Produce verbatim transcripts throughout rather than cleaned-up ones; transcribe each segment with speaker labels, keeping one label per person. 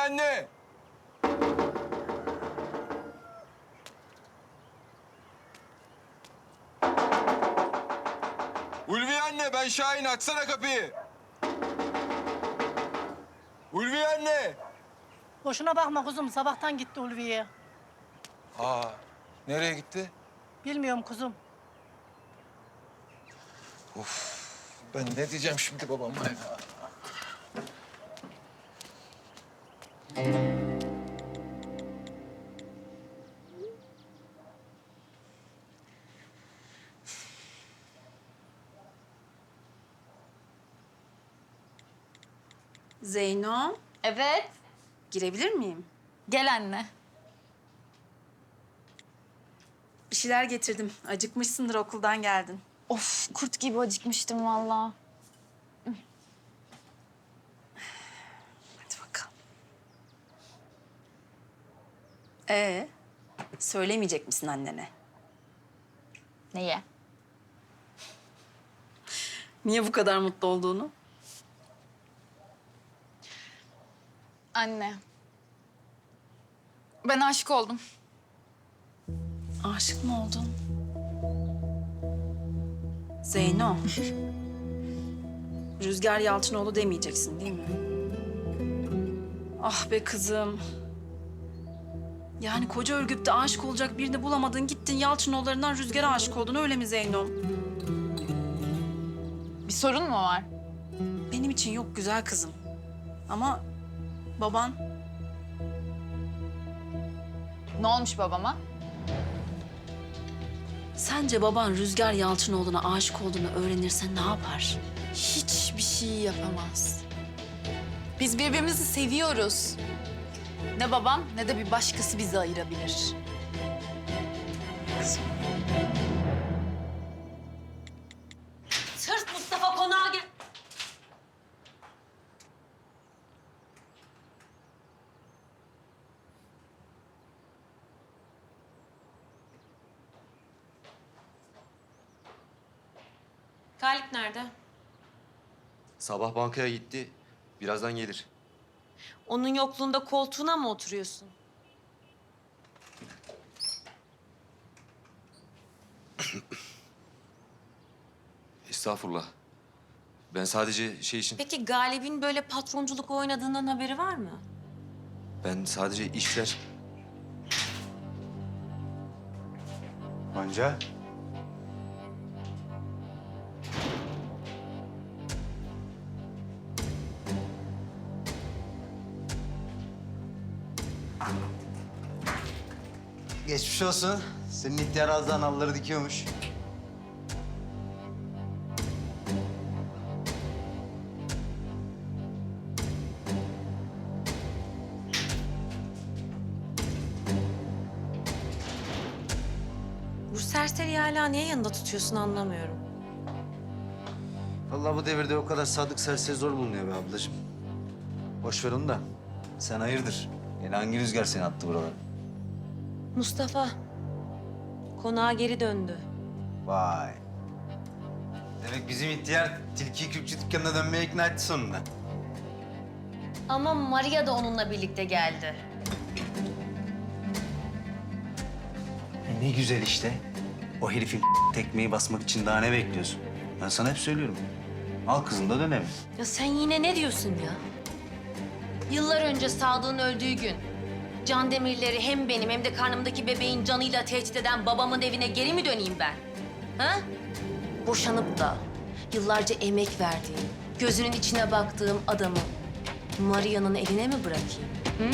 Speaker 1: anne! Ulviye anne, ben Şahin. Açsana kapıyı. Ulviye anne!
Speaker 2: Boşuna bakma kuzum. Sabahtan gitti Ulviye.
Speaker 1: Aa, nereye gitti?
Speaker 2: Bilmiyorum kuzum.
Speaker 1: Ben ne diyeceğim şimdi babama ya?
Speaker 3: Zeyno,
Speaker 4: Evet.
Speaker 3: girebilir miyim?
Speaker 4: Gel anne.
Speaker 3: Bir şeyler getirdim. Acıkmışsındır, okuldan geldin.
Speaker 4: Of, kurt gibi acıkmıştım vallahi.
Speaker 3: Hadi bakalım. Ee, söylemeyecek misin annene?
Speaker 4: Neye?
Speaker 3: Niye bu kadar mutlu olduğunu?
Speaker 4: Anne. Ben aşık oldum.
Speaker 3: Aşık mı oldun? Zeyno. Rüzgar Yalçınoğlu demeyeceksin değil mi? Ah be kızım. Yani koca Ürgüp'te aşık olacak birini bulamadın, gittin Yalçınoğullarından Rüzgar'a aşık oldun, öyle mi Zeyno?
Speaker 4: Bir sorun mu var?
Speaker 3: Benim için yok güzel kızım. Ama baban
Speaker 4: Ne olmuş babama?
Speaker 3: sence baban Rüzgar Yalçınoğlu'na aşık olduğunu öğrenirse ne yapar?
Speaker 4: Hiçbir şey yapamaz. Biz birbirimizi seviyoruz. Ne babam ne de bir başkası bizi ayırabilir.
Speaker 5: Sırt Mustafa konağa gel. Galip nerede?
Speaker 6: Sabah bankaya gitti. Birazdan gelir.
Speaker 5: Onun yokluğunda koltuğuna mı oturuyorsun?
Speaker 6: Estağfurullah. Ben sadece şey için...
Speaker 5: Peki Galip'in böyle patronculuk oynadığından haberi var mı?
Speaker 6: Ben sadece işler...
Speaker 7: Gonca. Geçmiş olsun. Senin ihtiyar az daha nalları dikiyormuş.
Speaker 5: Bu serseriyi hala niye yanında tutuyorsun anlamıyorum.
Speaker 7: Vallahi bu devirde o kadar sadık serseri zor bulunuyor be ablacığım. Boş ver onu da. Sen hayırdır? Yine hangi rüzgar seni attı buralara?
Speaker 5: Mustafa, konağa geri döndü.
Speaker 7: Vay. Demek bizim ihtiyar tilki kürkçü dükkanına dönmeye ikna etti sonunda.
Speaker 5: Ama Maria da onunla birlikte geldi.
Speaker 7: E ne güzel işte. O herifin tekmeyi basmak için daha ne bekliyorsun? Ben sana hep söylüyorum. Al kızın da dönelim.
Speaker 5: Ya sen yine ne diyorsun ya? Yıllar önce Sadık'ın öldüğü gün Can Demirleri hem benim hem de karnımdaki bebeğin canıyla tehdit eden babamın evine geri mi döneyim ben? Ha? Boşanıp da yıllarca emek verdiğim, gözünün içine baktığım adamı Maria'nın eline mi bırakayım? Hı?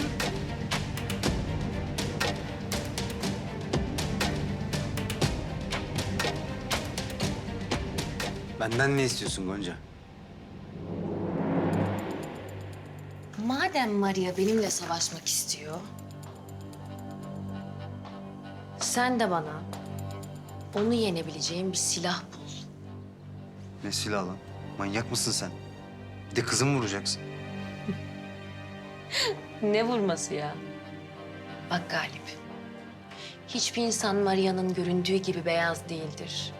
Speaker 7: Benden ne istiyorsun Gonca?
Speaker 5: Madem Maria benimle savaşmak istiyor, sen de bana onu yenebileceğin bir silah bul.
Speaker 7: Ne silah lan? Manyak mısın sen? Bir de kızımı vuracaksın.
Speaker 5: Ne vurması ya? Bak Galip, hiçbir insan Maria'nın göründüğü gibi beyaz değildir.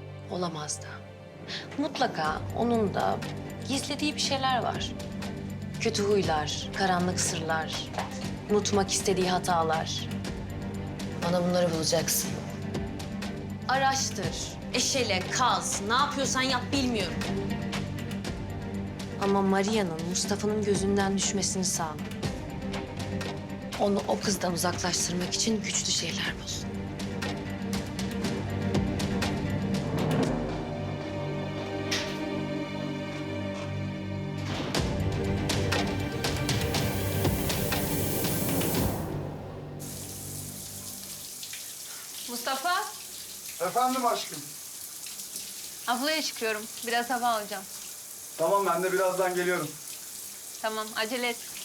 Speaker 5: Olamaz da. Mutlaka onun da gizlediği bir şeyler var. Kötü huylar, karanlık sırlar, unutmak istediği hatalar. Bana bunları bulacaksın. Araştır, eşele, kaz, ne yapıyorsan yap bilmiyorum. Ama Maria'nın Mustafa'nın gözünden düşmesini sağla. Onu o kızdan uzaklaştırmak için güçlü şeyler bul.
Speaker 8: Mustafa,
Speaker 9: Efendim aşkım.
Speaker 8: avluya çıkıyorum. Biraz hava alacağım.
Speaker 9: Tamam ben de birazdan geliyorum.
Speaker 8: Tamam, acele et.